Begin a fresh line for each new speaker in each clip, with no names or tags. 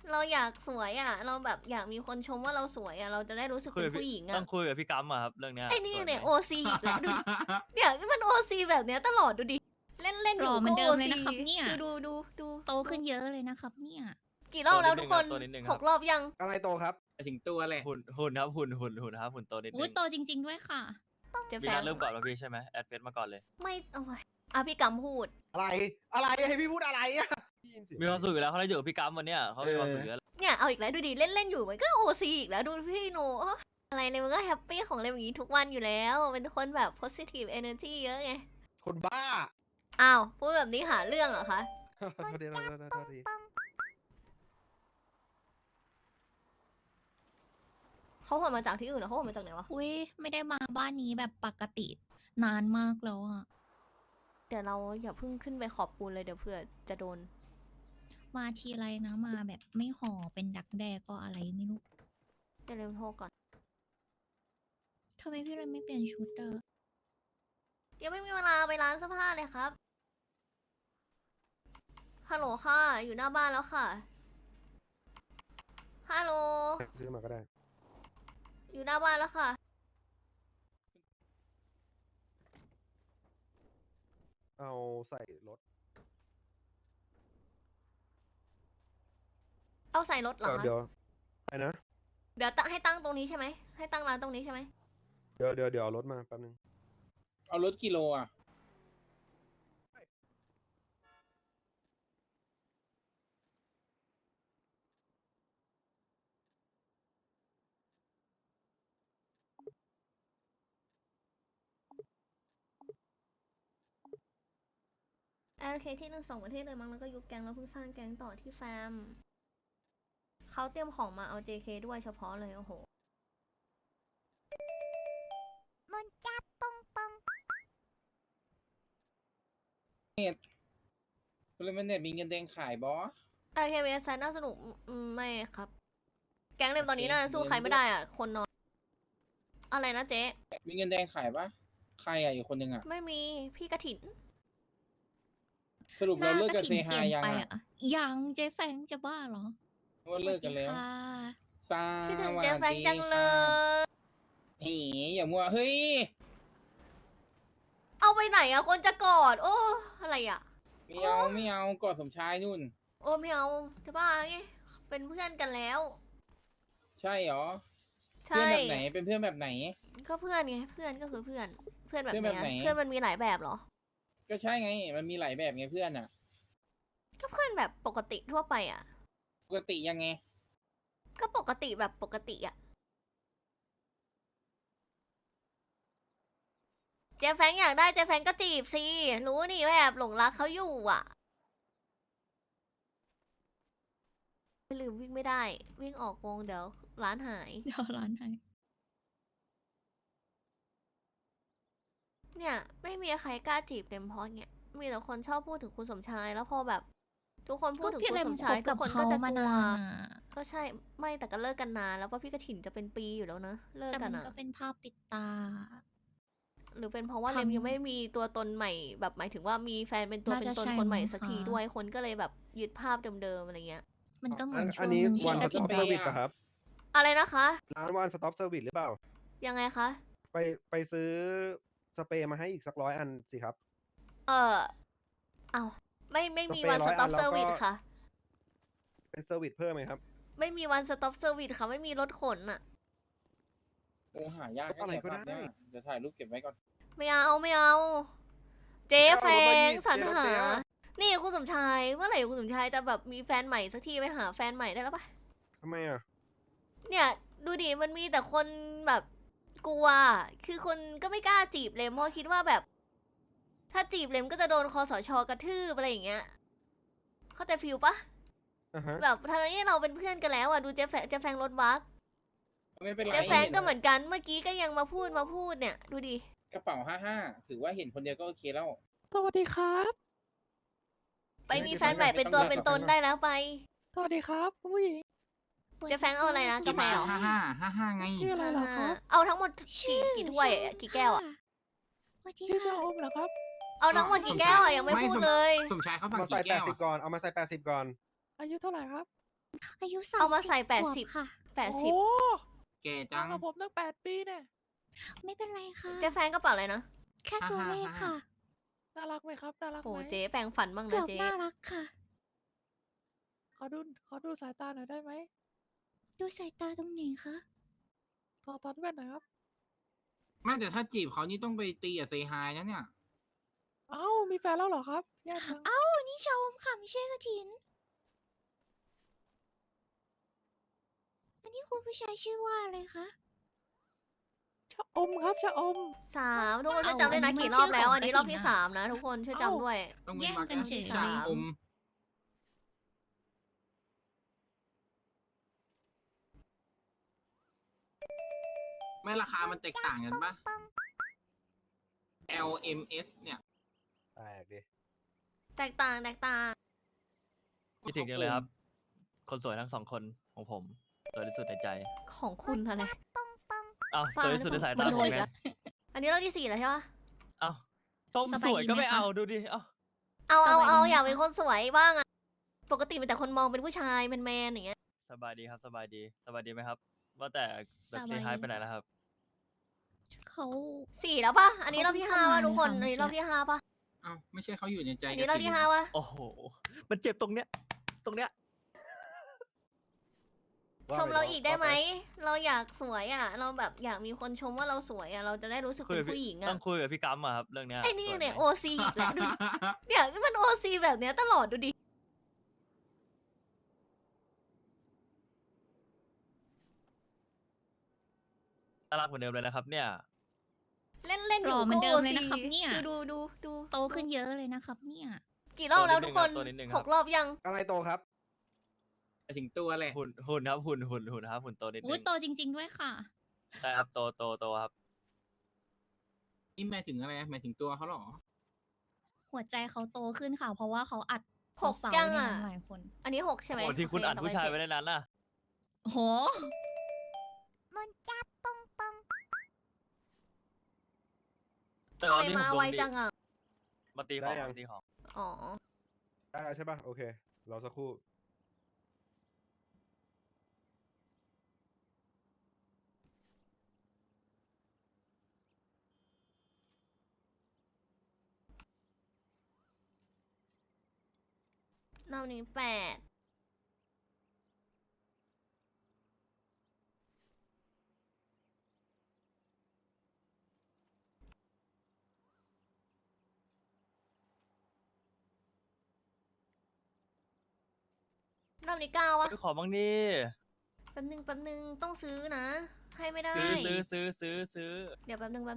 เราอยากสวยอ่ะ เราแบบอยากมีคนชมว่าเราสวยอ่ะ เราจะได้รู้สึก
คุย
เป็น
กับ
ผู้หญิง
ต้
อ่ะ
องคุยกับพี่กัมอะครับเรื่องเนี้ย
ไอ้นี่
สว
เนี่ย
ไหม
โอซีอีกแล้วดูดิ เนี่ยมันโอซีแบบเนี้ยตลอดดูดิ เล่นเล่นอ
หล่
ยู่
อเหมือ
ก็
นเดิ
โอ
มเลย
ซี
นะครับเนี่ย
ดู
โตขึ้นเยอะเลยนะครับเนี่ย
กี่รอบแล้วทุกคน
ตัวนิดนึงครับ
6 รอบยัง
อะไรโตครับ
ไปถึงตัวเลย
หุ่นครับหุ่นครับหุ่นโตนิด
อุ้
นึ
ย
ง
โตจริง ๆ ด้วยค่ะ
เจะ
พี่
แฟ
นั
ง
ทเริ่มก่อนแล้วพี่ใช่ไหมแอดเฟซมาก่อนเลย
ไม่เอาไว้อ่ะพี่กำพูด
อะไรให้พี่พูดอะไรอะได้ยินเสียง
มีความสุขอยู่แล้วเขาได้อยู่กับพี่กัมวันเนี้ยเขามีความสุขอยู่แล้ว
เนี่ยเอาอีกแล้วดูดิเล่นเล่นอยู่มันก็โอซีอีกแล้วดูพี่โนเอ้ออะไรเลยมันก็แฮปปี้ของอะไรอย่างงี้ทุกวันอยู่แล้วเป็นคนแบบ positive energy เยอะไง
คนบ้า
อ้าวพูดแบบนี้หาเรื่องเหรอคะ
โทษทีโทษที
เขาหวนมาจากที่อื่นเหรอเขาหวนมาจากไหนวะ
อุ้ยไม่ได้มาบ้านนี้แบบปกตินานมากแล้วอะ
เดี๋ยวเราอย่าเพิ่งขึ้นไปขอบปูนเลยเดี๋ยวเผื่อจะโดน
มาทีไรนะมาแบบไม่ห่อเป็นดักแด้ก็อะไรไม่รู้
เดี๋ยวเร็วโทรก่อน
ทำไมพี่เลยไม่เปลี่ยนชุดอะ
ยังไม่มีเวลาไปร้านเสื้อผ้าเลยครับฮัลโหลค่ะอยู่หน้าบ้านแล้วค่ะฮัลโหล
ซื้อมาก็ได้
อยู่หน้าบ้านแล้วค่ะ
เอาใส่รถ
เอาใส่รถเหรอคะ
เดี๋ยวไปนะ
เดี๋ยวตั้งให้ตั้งตรงนี้ใช่ไหมให้ตั้งร้านตรงนี้ใช่ไหม
เดี๋ยวเอารถมาแป๊บนึง
เอารถกิโลอ่ะ
โอเคที่หนึ่งส่งประเทศเลยมั้งแล้วก็ยุบแก๊งแล้วเพิ่งสร้างแก๊งต่อที่แฟมเขาเตรียมของมาเอา JK ด้วยเฉพาะเลยโอ้โห
มันจับปองปอง
คุณเลมันเนี่ยมีเงินแดงขายบอส
โอเคเวสน่าสนุกไม่ครับ แก๊งเล่มตอนนี้
โอเค
น่าจะสู้ใครไม่ได้อ่ะ คนน้อยอะไรนะเจ๊
มีเงินแดงขายปะใครอ่ะอีกคนนึงอ่ะ
ไม่มีพี่กระถิน
สรุปเราเลิก
ห
กับ
ระ
เซ
ถิ่น
ฮา
เปลี่ยน
ยัง
ไป
อ่ะ
อะยังเจ๊แฟงจะบ้าเหรอ
ว่าเลิกกันแล้ว
สวัสดีค่ะ
ส
คิดถึง
วัส
เจ๊แฟง
ดี
จังเล
ค่ะ
ย
เฮ้ยอย่ามัวเฮ้ย
เอาไปไหนอ่ะ คนจะกอด โอ้อะไรอ่ะ
ไม่เอากอดสมชายนู่น
โอ้ไม่เอาจะบ้าไงเป็นเพื่อนกันแล้ว
ใช่เหรอ
ใช่
เพื่อนแบบไหนเป็นเพื่อนแบบไหน
ก็เพื่อนไงเพื่อนก็คือเพื่อน เพื่อนแบบ
เพื่อนแบบ
เนี้ย
ไหน
เพื่อนมันมีหลายแบบเหรอ
ก็ใช่ไง มันมีหลายแบบไงเพื่อนอ่ะ
ก็เพื่อนแบบปกติทั่วไปอ่ะ
ปกติยังไง
ก็ปกติแบบปกติอ่ะ เจฟแฟงอยากได้เจฟแฟงก็จีบสิ รู้นี่ว่าแอบหลงรักเขาอยู่อ่ะไม่ลืมวิ่งไม่ได้ วิ่งออกวงเดี๋ยวร้านหาย
เดี๋ยวร้านไหน
เนี่ยไม่มีใครกล้าจีบเต็มเพราะเนี่ยมีแต่คนชอบพูดถึงคุณสมชายแล้วพอแบบ ทุกคนพู
ก็
ดถึง
พี่
คุณ
เล
ส
ม
ม
ค
ชาย
บ
ทุ
กั
ก
บ
คน
เขา
ก็จะ
มาก
ลั
นาว นอะ
ก็ใช่ไม่แต่ก็เลิกกันนานแล้วเพราะพี่กระถิ่นจะเป็นปีอยู่แล้วนะเลิก
แต่
กั
มัน น
อะ
ก็เป็นภาพติดตา
หรือเป็นเพราะว่า
ทำ
เลมยังไม่มีตัวตนใหม่แบบหมายถึงว่ามีแฟนเป็นตัว
น่า
เป็น
จะ
ตน
ใช่
คนใหม่
มั้ง
สักที
คะ
ด้วยคนก็เลยแบบยึดภาพเดิมๆอะไรเงี้ย
มันก็เหมือนช่
อั
วน ง
นี้
หนึงที่
วัน
ก
ส
ระ
ต็
ถิ่
อน ป
ไป
เซอร์วิส
อะ
ป่ะครับ
อะไรนะคะ
ร้านวันสต็อปเซอร์วิสหรือเปล่า
ยังไงคะ
ไปซื้อสเปรย์มาให้อีกสัก100 อันสิครับ
เอาไม่มี
สเปรย์
วัน
100
สต็อป
อันแล้ว
เซอร์วิส
ก็
ค่ะ
เป็นเซอร์วิสเพิ่มไหมครับ
ไม่มีวันสต็อปเซอร์วิสค่ะ ไม่มีรถขนอะ
หายาก
อะไรก็ได้
เนี่ยเดี๋ยวถ่ายรูปเก็บไว้ก่อน
ไม่เอา เจ๊แฟ
เอารถมาดิ
งสรร
เจ๊รถ
หา
เจ๊อะ
นี่คุณสมชายเมื่อไหร่คุณสมชายจะแบบมีแฟนใหม่สักทีไปหาแฟนใหม่ได้แล้วปะ
ทำไมอ่ะ
เนี่ยดูดิมันมีแต่คนแบบกลัว คือคนก็ไม่กล้าจีบเลมเพราะคิดว่าแบบ ถ้าจีบเลมก็จะโดนคอสชกระทืบอะไรอย่างเงี้ย เข้าใจฟิลปะ
อ่าฮะ
แบบทางนี้เราเป็นเพื่อนกันแล้วอ่ะดูเจ๊แฟงรถบัส
ไม่เป็นไร
เจ๊แฟงก็เหมือนกันเมื่อกี้ก็ยังมาพูดเนี่ยดูดิ
กระเป๋า55ถือว่าเห็นคนเดียวก็โอเคแล้ว
สวัสดีครับ
ไปมีแฟนใหม่เป็นตัวเป็นตนได้แล้วไป
สวัสดีครับคุณผู้หญิง
เจ๊แฟงเอาอะไรนะกาแฟเหรอ
55ไง
ชื่ออะไรเหรอครับ
เอาทั้งหมด
ชื่อ
กี่ถ้วยอะกี่แก้วอ่ะ
สวัสดี
ชื่อชะ
ค่ะ
อมเหรอครับ
เอาทั้งหมดกี่แก้วอ่ะยังไม่พูดเลย
สมชายเขา
เอา
สั่ง
มาใส่
กี่แก้ว
80 ก่อน เอามาใส่80 ก่อน
อายุเท่าไหร่ครับ
อายุ
เอามาใส่
30
80
ขวบค่ะ
โอ้
80
แก่
จั
จั
ง
ง
กับผมตั้ง8 ปีเนี่ย
ไม่เป็นไรค่ะ
เจ๊แฟนกระเป๋าอะไรนะ
แค่ตัวเลขค่ะ
น่ารักไหมครับ น่ารัก
โห
ไหม
เจ๊แปลงฝันบ้าง
เกื
นะ
อบ
เจ๊
น่ารักค่ะ
ขอดูสายตาหน่อยได้ไหม
ดูสายตาตรงไหนคะ
ถอดแว่นหน่อยครับ
ไม่แต่ถ้าจีบเขานี่ต้องไปตีกับเซฮายนะเนี่ย
เอ้า มีแฟนแล้วเหรอครับแย่จัง
เอ้า นี่ชมค่ะ ไม่ใช่กระถิน อันนี้คุณผู้ชายชื่อว่าอะไรคะ
ชะอมครับชะอม
3ทุกคนช่วย
เอา
จำด้วยนะ
อันนี้
กี่
มัน
รอบ
ชื่อ
แล้ว
ของ
อันนี้
ก
ร
ระ
อบ
ถิ่น
ที่
อะ
3 นะทุกคนช่วย
เอ้า
จำด้วย
ต้อง
แย่ง
มา
กันเฉย
ชา
เลย
อม ไม่ราคามันแตกต่างกันปะ LMS เนี่ย
แตกดิ
แตกต่างแตกต่าง
คิดถึงจังเลยครับ คนสวยทั้ง2 คนของผมสวยที่สุดในใจ
ของคุณอะไร
อ้าว
ฟัง
สวยที่สุดในสาย
มั
ตาน ผ
โด
ม
น
ไง
แล้ว
อันนี้รอบที่ 4 แล้วใช่ปะ
อ้าวส้ม
สบาย
สวย
ดี
ก็
ไหม
ไม่
คะ
เอาดูดิเอ้า
เอา
สบายดีไหม
อยากเป็น
คะ
คนสวยบ้างอะปกติเป็นแต่คนมองเป็นผู้ชายแมนๆอย่างเงี้ย
สบายดีครับสบายดีสบายดีไหมครับ ว่าแต่แบบเซฮายไปไหนแล้วครับ
เขา
4 แล้วปะอันนี้รอบที่
เขา
5
เพิ่
ปะ
ง
ทุกคน
เข้ามา
อันนี้รอบที่ 5 ปะ
เอ้าไม่ใช่เขาอยู่ในใจ
อันนี้
ก
รอ
ระ
บ
ถิ่
ที่
น
5 ปะ
โอ้โห มันเจ็บตรงเนี้ย ตรงเนี้ย
ชมเราอีกได้ไหม เราอยากสวยอะเราแบบอยากมีคนชมว่าเราสวยอะเราจะได้รู้สึก
คุย
เป็
กับ
นผู้หญิง
ต้
อะ
องคุยกับพี่กัมอะครับเรื่องเนี้ย
ไอ้นี่
สวยไหม
เนี่ยโอซีอีกแล้วดูดิเนี่ยมันโอซีแบบเนี้ยตลอดดูดิ
น่ารักเหมือนเดิมเลยนะครับ เนี่ย
เล่นเล่นอ
หล่
ยู่
อเหมื
ก็
อนเดิ
โอ
มเลย
ซี
นะครับเนี่ย
ดู
โตขึ้นเยอะเลยนะครับเนี่ย
กี่รอบแล้วทุกคน
ตัวนิดนึงครับ
6 รอบยัง
อะไรโตครับ
ไปถึงตัวแหละ
หุ่นครับหุ่นครับหุ่นโตนิดนึ
อุ้ย
ง
โตจริง ๆ ด้วยค่ะ
ใช่ครับโตครับ
นี่หมายถึงอะไรหมายถึงตัวเขาเหรอ
หัวใจเขาโตขึ้นค่ะ เพราะว่าเขาอัด
หก
สาว
ยั
ๆ
ง
ใน
อะ
นั้นหลายคน
อันนี้ 6 ใช่ไหม
โอ้ที่คุณ
โเ
อัดผู้ชาย
ต่อ
ไว้
ป
ในนั้นน่ะ
โอ้โห
มนจับปองปอง
แต่
ทำ
ตอน
ไม
นี้
มา
ผมโด
ไวน
ดี
จังอะ
มาตีของ
ได้ยัง
มาตีของ
อ๋อ
ได้แล้วใช่ป่ะ โอเค รอสักครู่
รอบนี้ 8รอบนี้ 9 วะ
ไปขอบ้างดิ
แป๊บนึงต้องซื้อนะ ให้ไม่ได้
ซื้อ
เดี๋ยวแป๊บนึง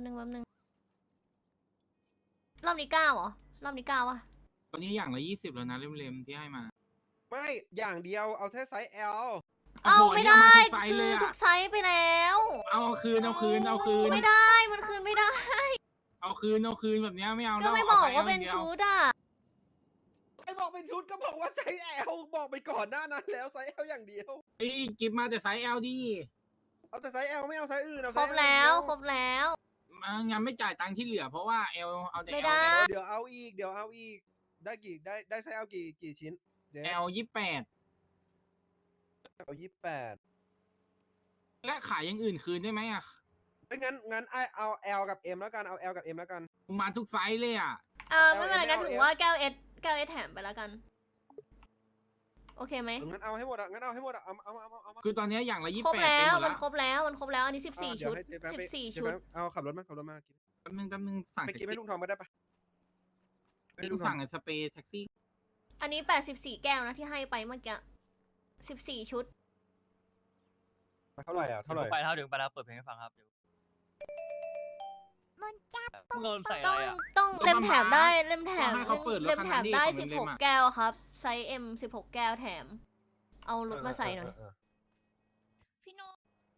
รอบนี้ 9เหรอ รอบนี้ 9 วะ
ตอนนี้อย่างละ20แล้วนะเล่มๆที่ให้มา
ไม่ อย่างเดียว เอาแค่ไซส์ L
เอา
โอ้โห
ไม่ได้
เรียกมาทุกไซส์
ซื้
เล
อย
อะ
ทุกไซส์ไปแล้ว
เอาคืน
ไม่ได้ มันคืนไม่ได้
เอาคืนแบบเนี้ยไม่เอา
ก็
แล้ว
ไม่
เ
บอก
ไซส์
ว่าเป็น
ดีย
ชุดอ่ะ
ไอ้บอกเป็นชุดก็บอกว่าไซส์ L บอกไปก่อนหน้านั้นแล้วไซส์ L อย่างเดียว
เอ้ยกิฟมาแต่ไซส์ L ดี
เอาแต่ไซส์ L ไม่เอาไซส์อื่นเอา
คร
ไซ
บ
ส์ L
แล้ว
อย่างเดีย
ครบแล้ว
งั้นไม่จ่ายตังค์ที่เหลือเพราะว่า L เอาแต่
ไม่
L
ได้
เดี๋ยวเอาอีก เดี๋ยวเอาอีก ได้ไซส์ L กี่ชิ้นเจ๊
L 28
เอา28
และขายอย่างอื่นคืนได้ไหมอ่ะ
ไม่งั้นเอา L กับ M แล้วกัน เอา L กับ M แล้วกัน
มาทุกไซส์เลยอ่ะ
ไม่เป็นไรกัน
เอา
ถือ
เอา
ว่าแก้วเอสแถมไปแล้วกัน โอเคไหม
งั้นเอาให้หมดอ่ะ งั้นเอาให้หมดอ่ะ เอา
คือตอนนี้อย่างละ
ครบ
28
แล้ว
เต็มหมด
มัน
ละ
ครบแล้ว อันนี้ 14
เดี๋ย
ชุ
ว
ด
ให้เจ๊แป๊บไป
14
เจ๊
ชุด
แป๊บเอาขับรถมา
แป๊บนึงสั่ง
ไป
แท็ก
กินให้
ซี่
ลุงทองมาได้ปะให้ลุ
ลุ
ง
ง
ทอ
สั่
ง
งไอ้สเปรย์แท็กซี่
อันนี้ 84 แก้วนะที่ให้ไปเมื่อกี้ 14 ชุด
เท่าไหร่อ่ะ
เดี๋
เท่า
ยว
ไหร่
ผมไปครับเดี๋ยวผมไปครับเปิดเพลงให้ฟังครับเดี๋ยว
มนจับ
มึงเอาใส่อะ
ต้
ไร
อง
อ่ะ
ต้องเล่มแถมได้เล่มแถม
ให้เขาเปิดรถ
เล่ม
คัน
แถ
นั้น
ม
ดิ
ได้
ของเล่มๆอะ
16 แก้วครับ ไซส์ M 16 แก้วแถม เอารถมาใส่หน่อย
พี่โน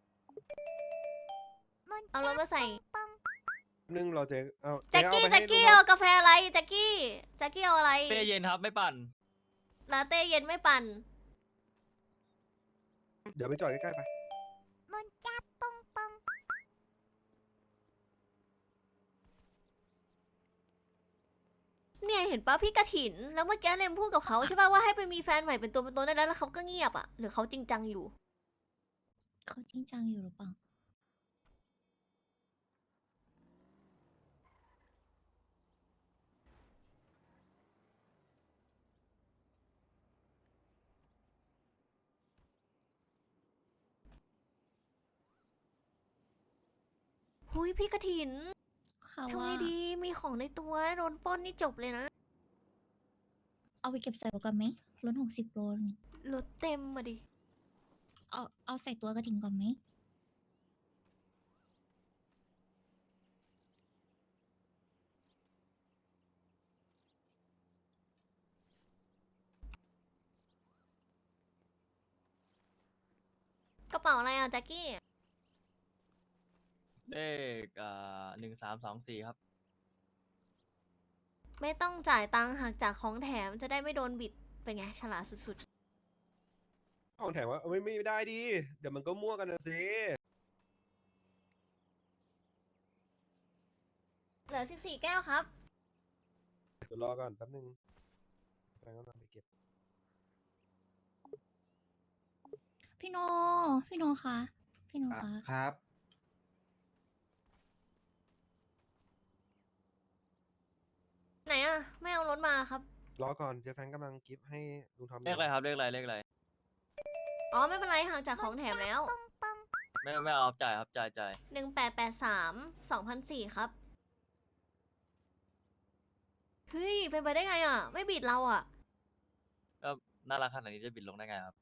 มน
เอารถมาใส่
ปอง
นึงเราเจ๊เอา
แจ็ค
เจ๊
กี้
เอาไป
แจ็
ให้
คกี้
ลุงท
เอา
อง
กาแฟอะไรแจ็คกี้เอาอะไร
เต้เย็นครับไม่ปั่น
ลาเต้เย็นไม่ปั่น
เดี๋ยวไปจอดใกล้ๆไป
มนจับปองปอง
เนี่ยเห็นปะพี่กระถิน แล้วเมื่อกี้เลมพูดกับเขาใช่ปะว่าให้ไปมีแฟนใหม่เป็นตัวเป็นตนได้แล้วเขาก็เงียบอะหรือเขาจริงจังอยู่
เขาจริงจังอยู่หรือเปล่า
หุยพี่กระถิน
เขา
ทำไง
ว่า
ดีมีของในตัวโดนปล้นนี่จบเลยนะ
เอาไปเก็บใส่รถกันไหมรถ60 โลนี่
รถเต็มมาดิ
เอาใส่ตัวกระถิ่นก่อนไหม
กระเป๋าอะไรอ่ะแจ็คกี้
เลข1324ครับ
ไม่ต้องจ่ายตังค์หักจากของแถมจะได้ไม่โดนบิด เป็นไงฉลาดสุด
ของแถมว่าไม่ได้ดิเดี๋ยวมันก็มั่วกันนะสิ
ๆ เหลือ 14 แก้วครับ
เดี๋ยวรอก่อนแป๊บนึงแฟนกำลังไปเก็บ
พี่โนพี่โนคะพี่โนคะ
ครับ
ไหนอ่ะ ไม่เอารถมาครับ
รอก่อนเจแฟนกำลังกิฟต์ให้ลุงทอม
เลขอะไรครับ เลขอะไร เลขอะไร
อ๋อ ไม่เป็นไรหักจากของแถมแล้ว
ไม่เอาจ่ายครับ จ่าย
1883 2004 ครับ เฮ้ย เป็นไปได้ไงอ่ะ ไม่บิดเราอ่ะ
ก็น่ารักขนาดนี้จะบิดลงได้ไงครับ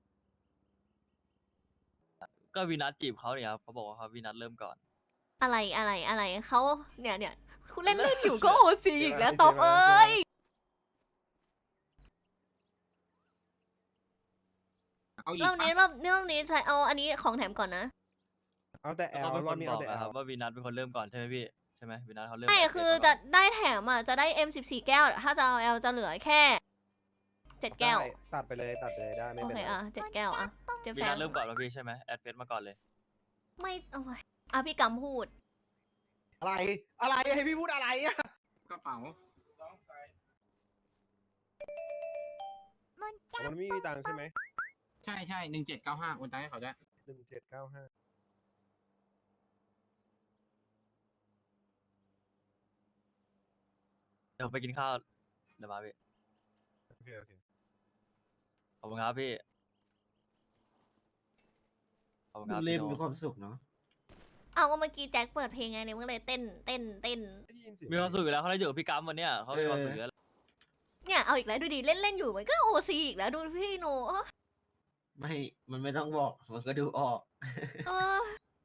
ก็วีนัทจีบเขาเนี่ยครับเขาบอกว่าเขาวีนัทเริ่มก่อน
อะไรเขาเนี่ยคุณเล่นอยู่ก็โอซีอีกแล้วตอบเอ้ย
เอาอีก
รอบ
ปะ
นี้ใช้เอาอันนี้ของแถมก่อนนะ
เอาแต่แอ
แล้ว
ล
เขาเป็น
ร
ค
อบ
น
นี้
บ
เอา
อก
แต่แอ
นะครั
ล
บว่าวีนัทเป็นคนเริ่มก่อนใช่ไหมพี่ ใช่ไหมวีนัทเขาเริ่ม
ไม่
ก่น
คือ
เก็
จะ
บก่น
ได้แถมอ่ะ จะได้ M14 แก้ว ถ้าจะเอา L จะเหลือแค่ 7 แก้ว
ได้ตัดไปเลยได้ไม่
โอ
เป็น
เค
ไร
อ่ะ 7 แก้วอ่ะเจะ
วี
แฟ
นั
ง
ทเริ่มก่อนมาพี่ใช่ไหมแอดเฟซมาก่อนเลย
ไม่เอาไว้อ่ะพี่กำพูด
อะไรให้พี่พูดอะไรอ่ะ
กระเป๋า
มันไม่มีตังค์ใช่ไหม
ใช่1795โอนตังค์ให้เขาได้
1795
เดี๋ยวไปกินข้าว เดี๋ยวมาพี่
โอเค
ขอบคุณครับพี่ ขอบคุณครับ
เล่น
พี่โน
มีความสุขเนาะ
เอาก็เมื่อกี้แจ็คเปิดเพลงไงเนี่ยมันก็เลยเต้น
ได้ยินเสียง
มีความสุขอยู่แล้วเขาได้อยู่กับพี่กัมวันเนี้ยเขามีความสุขอยู่แล้ว
เนี่ยเอาอีกแล้วดูดิเล่นอยู่มันก็โอซีอีกแล้วดูพี่โนเอ้อ
ไม่ มันไม่ต้องบอก มันก็ดูออก
เออ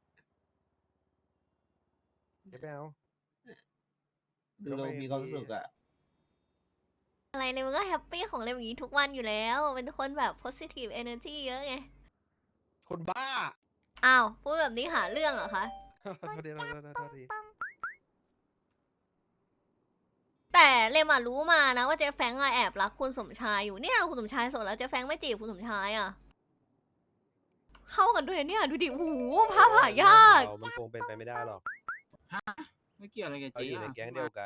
เดี๋ยวไปเอา
ดูเรามีความสุขอ่ะ
อะไรเลยมันก็แฮปปี้ของเลยอย่างนี้ทุกวันอยู่แล้ว เป็นคนแบบ positive energy เยอะไง
คนบ้า
อ้าวพูดแบบนี้หาเรื่องเหรอคะ
โทษทีโทษที
แต่เลมอะรู้มานะว่าเจ๊แฟงอะแอบรักคุณสมชายอยู่เนี่ยคุณสมชายโสดแล้วเจ๊แฟงไม่จีบคุณสมชายอะเข้ากันด้วยเนี่ยดูดิโอ้โหภาพหายาก
มันคงเป็นไปไม่ได้หรอก
ไม่เกี่ยวอะไรกับ
เรา
เจ๊
อยู่ในแก๊งเดียวกัน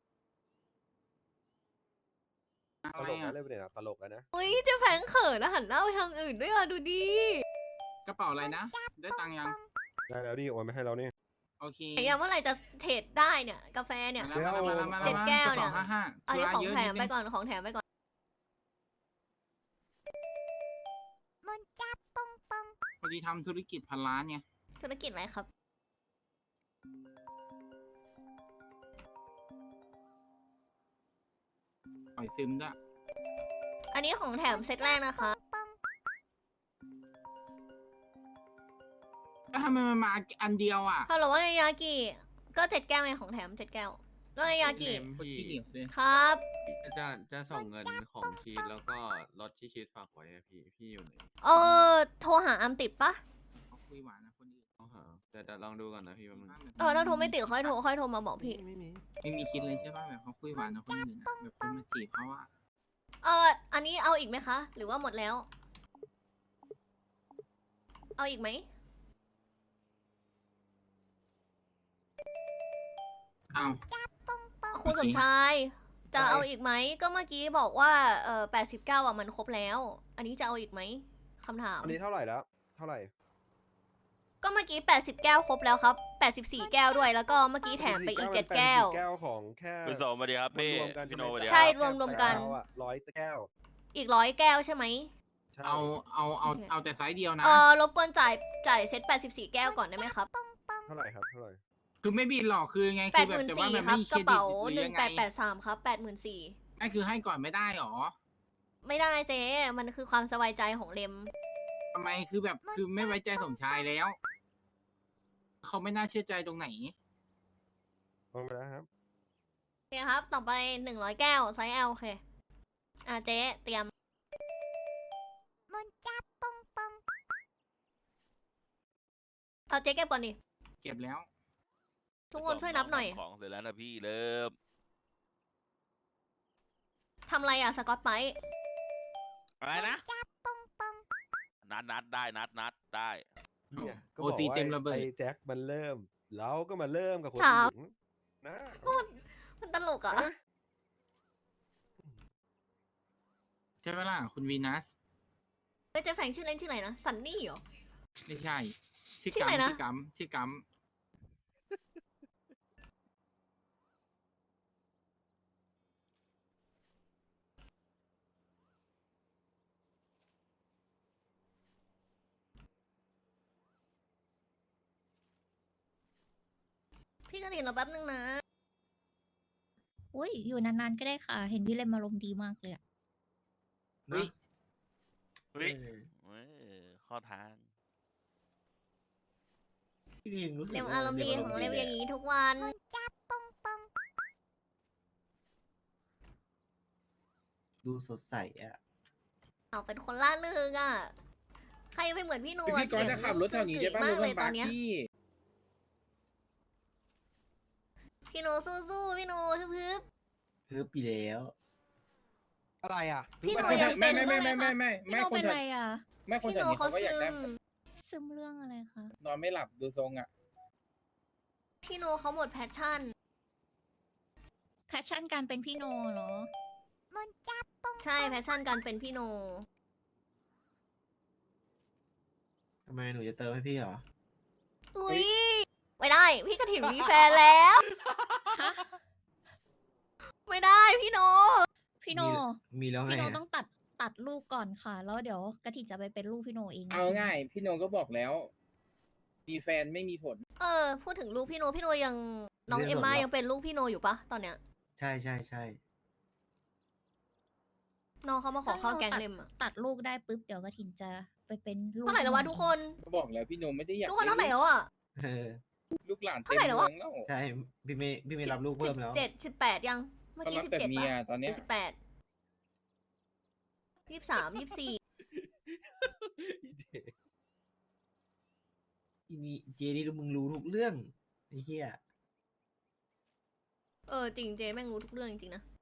ต
อะไร
ลกนะ
อ่ะ
เล่นไปเนี่ยตลกแล้วนะ
อุ้ยเจ๊แฟงเขินแล้วหันหน้าไปทางอื่นด้วยอะดูดิ
กระเป๋าอะไรนะ ได้ตังค์ยัง
ได้แล้วดิโอนมาให้เราเนี่ย
โอเค
ไอ้ยังเมื่อไหร่จะเทรดได้เนี่ยกาแฟเนี่ย
มาแล้วมาแล้วมาแล้ว
เจ็ดแก้วเนี่ย
กระป๋า55
อันนี้ของ
ธุระเยะ
แถม
ดนึ
ไปก่อนของแถมไปก่อน
พอดีทำธุรกิจพันล้านไง
ธุรกิจอะไรครับ
ปล่อยซึมด้วย
อันนี้ของแถมเซตแรกนะคะ
แล้วทำไมมันมาอันเดียวอ่ะ
ฮัลโหลว่าไงยากิก็7 แก้วไงของแถม7 แก้วว่าไงยากิ
โคตรขี้เหนียวเลย
ครับ
จะส่งเงินของชีสแล้วก็รถที่ชีสฝากไว้อะพี่อยู่ไหน
โทรหาอัมติดปะ
เขาคุยหวานนะคนอื่น
ต้องหาแต่ลองดูก่อนนะพี่ว่ามัน
ถ้าโทรไม่ติดค่อยโทรมาบอกพี่
ไม่มีคิดเลยใช่ป่ะแบบเขาคุยหวานนะคนอื่นอะแบบคนมาจีบเขาอะ
อันนี้เอาอีกไหมคะ หรือว่าหมดแล้ว เอาอีกไหม
อ้าว
คุณสมชาย ใจจะเอาอีกไหมก็เมื่อกี้บอกว่า89อ่ะมันครบแล้ว อันนี้จะเอาอีกไหมคำถาม
อันนี้เท่าไหร่แล้ว เท่าไหร่
ก็เมื่อกี้80 แก้วครบแล้วครับ84 แก้วด้วย แล้วก็เมื่อกี้แถมไปอีก 7 แก้ว
แก้วของแค่
คุณโสมสวัสดีครับพี่
รวมๆกัน
พี่โน
ไห
สวัสดี
ใช่
ครับ
รวมๆกัน
100 แก้ว
อีก100 แก้วใช่ไหม
ใช่
เอา
โอเค
เอาแต่ไซส์เดียวนะ
รบกวนจ่ายเซต84 แก้วก่อนได้ไหมครับ
เท่าไหร่ครับ เท่าไหร่
คือไม่บินหรอกคือไงคือแบบแต่ว่ามัน
84,000ครับ
ไม่มี
ก
เคร
ระ
ดิต
เป๋า
หรือยังไง
1883ครับ84,000
นั่นคือให้ก่อนไม่ได้หรอ
ไม่ได้เจ๊มันคือความสบายใจของเลม
ทำไมคือแบบคือไม่ไว้ใจสมชายแล้ว เขาไม่น่าเชื่อใจตรงไหน
ลงไปแล้วครับ
โอเคครับ ต่อไป100 แก้วไซส์ L โอเคเจ๊เตรียม
มันจับปองปอง
เอาเจ๊เก็บก่อนดิ
เก็บแล้ว
ทุกคนช่วยนับหน่อย
ของเสร็จแล้วนะพี่เริ่ม
ทำอะไรอ่ะสกอตไบรท์
อะไรนะ
จับปองปอง
นัดได้นัดได้
เนี่ยก็
โอ
บอก
ซี
ว่า
เต็มระเบิด
ไอ้แจ็คมันเริ่ม เราก็มาเริ่มกับคน
ถาม
หญิงนะ
มันตลกอ่ะ
อะ
ใช่ไหมล่ะ คุณวีนัส
เฮ้ยเจ๊แฝงชื่อเล่นชื่ออะไรนะซันนี่เหรอ
ไม่ใช่ ชื่อ
ชื่อ
กั
อะไร
ม
นะ
ชื่อกัม
พี่กระถิ่นรอแป๊บนึงนะ
อุ้ยอยู่นานๆก็ได้ค่ะ เห็นพี่เลมอารมณ์ดีมากเลยอะ
เฮ้ย
เฮ้ย
เออ
เว้ยเข้อทาง
พี่ยังรู้สึก
เร็ว
ว่
อารมณ์ดีของเร็วอย่าง
นี้
นี้ทุกวัน
มันจับปองปอง
ดูสดใสอ่ะ
เอาเป็นคนล่าเริงอ่ะ ใครไปเหมือนพี่โน
พี่ก๊อตจะขับรถแถวนี้ได้ป่ะ
มาร ก
ถ
เลย
บั
ต
ม
อน
บ์
เนี้ย
พี่
พี่โนสู้ๆพี่โนฮึบ
เพิ่มปีแล้ว
อะไรอ่ะ
พี่โน
เพิ่ง
ยัง
มา
เป็น
พี่โนเป็นไรอะ
ไม่คน
พี่
แถ
โน
วนี้
เขา
เขาก็อยาก
ซึ
ได้
ม
ซึมเรื่องอะไรคะ
นอนไม่หลับดูทรงอ่ะ
พี่โนเขาหมดแพชชั่น
แพชชั่นการเป็นพี่โนเหรอ
มันจับปอง
ใช่แพชชั่นการเป็นพี่โน
ทำไมหนูจะเติมให้พี่เหรอ
อุ้ยไม่ได้ พี่กระถิ่นมีแฟนแล้ว
ฮะ
ไม่ได้พี่โน
พี่โน
มีแล้วไง
พี่โน
อะ
ต้องตัดลูกก่อนค่ะ แล้วเดี๋ยวกะทิจะไปเป็นลูกพี่โนเอง
เอาง่าย พี่โนก็บอกแล้ว มีแฟนไม่มีผล
พูดถึงลูกพี่โนพี่โนยังน้องเอมม่ายังเป็นลูกพี่โนอยู่ปะตอนเนี้ย
ใช่ใช่ใช่
น้องเขามาขอเข้าแก๊งเลมอะ
ตัดลูกได้ปุ๊บเดี๋ยวกะทิจะไปเป็นลูก
เท่าไหร่แล้ววะทุกคน
ก็บอกแล้วพี่โนไม่ได้อยาก
ทุกคนเท่าไหร่แล้วอ่ะ
เออ
ลูกหลาน
เท่า
เต็ม
ไหร่แล้ววะ
เมืองแล้ว
ใช่ พี่ไม่รับลูกเพิ่มแล้ว
17 18 ยัง เมื่อ
ก็
กี้
รับแต่
17
เมีย
ป่ะ
ตอนเนี้ย
18 23 24
อีนี่เจนี่มึงรู้ทุกเรื่องไอ้เหี้ย
จริงเจแม่งรู้ทุกเรื่องจริงๆนะ